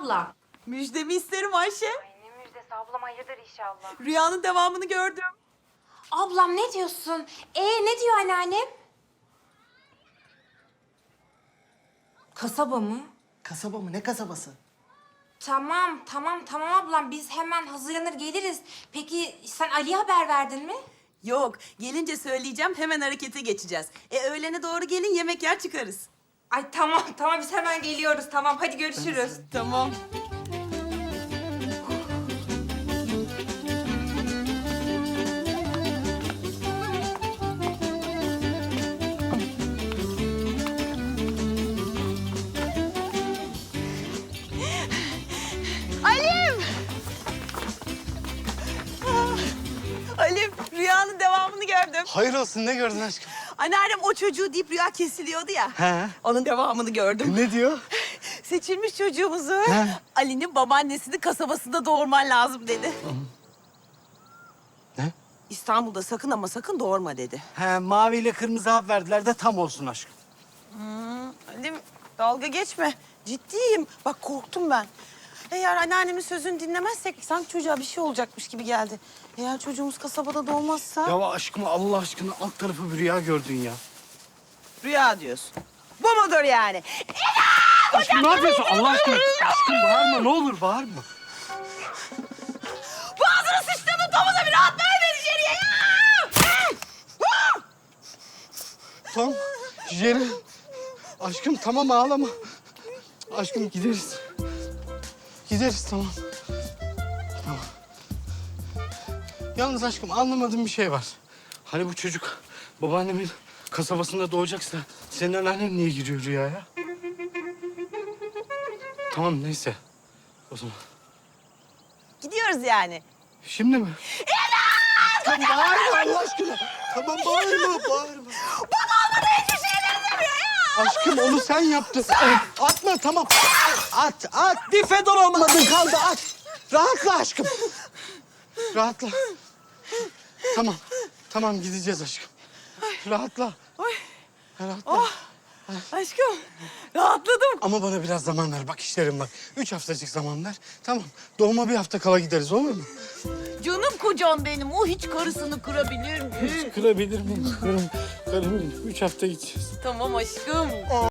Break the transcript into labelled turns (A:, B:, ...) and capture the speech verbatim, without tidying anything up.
A: abla.
B: Müjdemi isterim Ayşe.
A: Ay ne müjdesi ablam, hayırdır inşallah.
B: Rüyanın devamını gördüm.
A: Ablam ne diyorsun? Ee ne diyor anneannem? Kasaba mı?
C: Kasaba mı? Ne kasabası?
A: Tamam, tamam, tamam ablam. Biz hemen hazırlanır geliriz. Peki sen Ali'ye haber verdin mi?
B: Yok, gelince söyleyeceğim, hemen harekete geçeceğiz. E öğlene doğru gelin, yemek yer çıkarız.
A: Ay tamam, tamam biz hemen geliyoruz. Tamam, hadi görüşürüz.
B: Tamam. Alim! Ah, Alim, rüyanın devamını gördüm.
C: Hayır olsun, ne gördün aşkım?
B: Anneannem o çocuğu deyip rüya kesiliyordu ya.
C: He.
B: Onun devamını gördüm.
C: Ne diyor?
B: Seçilmiş çocuğumuzu
C: He.
B: Ali'nin babaannesinin kasabasında doğurman lazım dedi.
C: Ne?
B: İstanbul'da sakın ama sakın doğurma dedi.
C: He, mavi ile kırmızı hap verdiler de tam olsun aşkım.
B: Alim dalga geçme. Ciddiyim. Bak korktum ben. Eğer anneannemin sözünü dinlemezsek sanki çocuğa bir şey olacakmış gibi geldi. Eğer çocuğumuz kasabada doğmazsa...
C: Ya aşkım, Allah aşkına alt tarafı bir rüya gördün ya.
B: Rüya diyorsun. Bu mudur yani?
C: Aşkım ne yapıyorsun? Allah aşkına. Aşkım bağırma, ne olur bağırma.
B: Boğazını sıçtığımın domuza bir rahat verme içeriye ya!
C: Tamam, Jerry. Aşkım tamam, ağlama. Aşkım gideriz. Gideriz, tamam. Tamam. Yalnız aşkım anlamadığım bir şey var. Hani bu çocuk babaannemin kasabasında doğacaksa senin anneannen niye giriyor rüyaya? Tamam neyse. O zaman.
B: Gidiyoruz yani.
C: Şimdi mi? Tamam bağırma Allah aşkına. Tamam bağırma, bağırma.
B: Bana olmadı hiçbir şeye benzemiyor ya!
C: Aşkım onu sen yaptın. Atma tamam. At, at. Bir fedon olmadın kaldı at. Rahatla aşkım. Rahatla. Tamam, tamam gideceğiz aşkım. Rahatla.
B: Oy.
C: Rahatla.
B: Oh. Aşkım rahatladım.
C: Ama bana biraz zaman ver. Bak işlerim var. Üç haftacık zaman ver. Tamam. Doğuma bir hafta kala gideriz olur mu?
B: Canım kocam benim. O hiç karısını kırabilir mi?
C: Kırabilir miyim? Kırım, karım. Üç hafta gideceğiz.
B: Tamam aşkım.